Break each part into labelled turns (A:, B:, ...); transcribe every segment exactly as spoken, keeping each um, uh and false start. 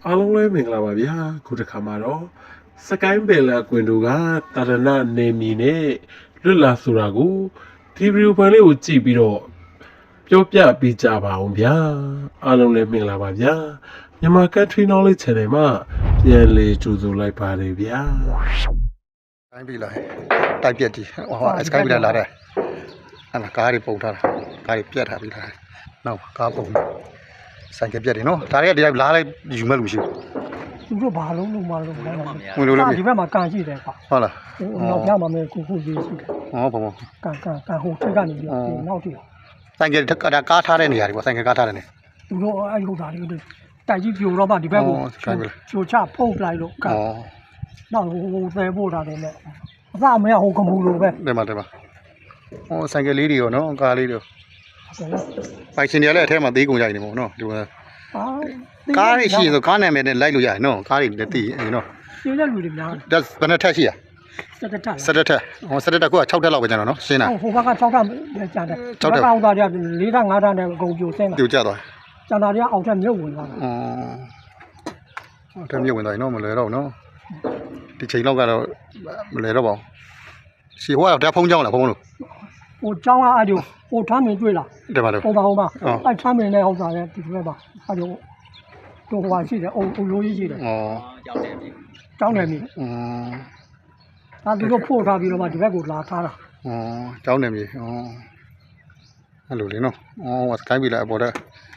A: အားလုံးလည်းမင်္ဂလာပါဗျာခုတစ်ခါမှာတော့စကိုင်းပယ်လာကွင်တို့ကတာရဏနေမီနဲ့လွတ်လာဆိုတာကိုဒီဗီဒီယိုဖိုင်လေးကိုကြည့်ပြီးတော့ပြောပြပေးကြပါအောင်ဗျာအားလုံးလည်းမင်္ဂလာပါဗျာမြန်မာ Country Knowledge Channel မှာပြန်လည်ကြိုဆိုလိုက်ပါတယ်ဗျာ
B: တိုင်းပြီလားတိုက်ပြက်ကြီးဟောစကိုင်းပြီလားလာတယ်အဲ့ဒါကားတွေပုံထားတာကားတွေပြက်ထားပြီလားနောက်ကားပုံဆိုင်ကပြက်တယ်နော်ဒါတွေကတရားလားလိုက်ယူမဲ့လူရှိ
C: သူတို့ဘာလုံးလုံးမလုံးမလုံး
B: ဘူးလို့လို့
C: ဒီဘက်မှာကန်ရှိတယ်ကွာ
B: ဟုတ်လား
C: နောက်ပြမှာမယ်ကိုကိုရေးရှိတယ်
B: ဟောဘုံဘုံ
C: ကန်ကန်ကန်ဟိုထက်ကနေပြီးနောက်တည်း
B: ဆိုင်ကဒါကားထားတဲ့နေရာတွေပေါ့ဆိုင်ကကားထားတဲ့နေ
C: သူတို့အဲ့ဟုတ်တာတွေတိုက်ကြီးပြိုတော့မှဒီဘက်ကိုချိုချဖုတ်လိုက်လို့ကန်နောက်ဟိုသဲပို့တာတယ်နဲ့အစမရဟိုကမူလိုပဲ
B: တယ်မှာတယ်မှာဟောဆိုင်ကလေးတွေရောနော်ကားလေးတွေပိုင်ရှင်တွေလည်းအထဲမှာသေးကုန်ကြနေပေါ့နော်ဒီမှာကားတွေရှိဆိုကားနာမည်နဲ့လိုက်လို့ရတယ်နော်ကားတွေလည်းသိရင်နော်
C: ရှင်းတဲ့လူတွေများ
B: ဒါဘယ်နှထက်ရှိရ
C: စက်တက်တက်
B: စက်တက်တက်ဟောစက်တက်တက်က၆ထက်လောက်ပဲကျန်တော့နော်ရှင်းတာ
C: ဟိုဘက်က၆ထက်ကျန်တယ်၆ထက်အောက်သားတွေက၄ထက်၅ထက်နဲ့အကုန်ပြိုဆင်းတာ
B: ပြိုကျသွား
C: ကျန်တာတွေကအောက်ထက်မြုပ်ဝင်သွားတာ
B: อ๋อအောက်ထက်မြုပ်ဝင်သွားရင်တော့မလွယ်တော့နော်ဒီချိန်လောက်ကတော့မလွယ်တော့ပါဘူးရှီဟိုကတရားဖုံးကြောင်းလားဖုံးလို့
C: ဟိုကျောင်းကအဲ့ဒီဟိုထမ်းမင်းတွေ့လား
B: တယ်ပါတော့
C: ဟိုပါဟိုပါအဲ့ထမ်းမင်းနဲ့ဟောက်တာလည်းဒီဘက်ပါအဲ့ဒီတော့ဟိုဟာရှိတယ်အုံအုံလိုကြီးရှိတယ်
B: ဩ
C: ကျောင်းနယ်မြေ
B: อืม
C: အဲ့ဒီတော့ဖို့ထားပြီးတော့မှဒီဘက်ကိုလာထားတာ
B: ဩကျောင်းနယ်မြေဩအဲ့လိုလေနော်ဩစကိုင်းပြီလားအပေါ်တဲ့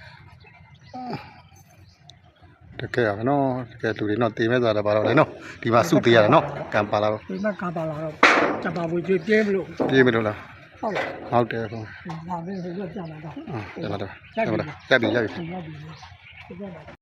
B: တကယ်ရနော်တကယ်လူတွေနော်တေးမဲ့သွားတာပါတော့လေနော်ဒီမှာစုသေးရတာနော်ကံပါလာတော့
C: ဒီမှာကံပါလာတော့စပါဘူးကြီးပြင်းမလို့
B: ပြင်းမလို့လား
C: ဟုတ်
B: ဟုတ်တယ်ဟုတ်
C: ဒါပဲဟိုကပြန်လာတော့
B: ဟုတ်တယ်ဟုတ်တယ်တက်ပြီတက်ပြီ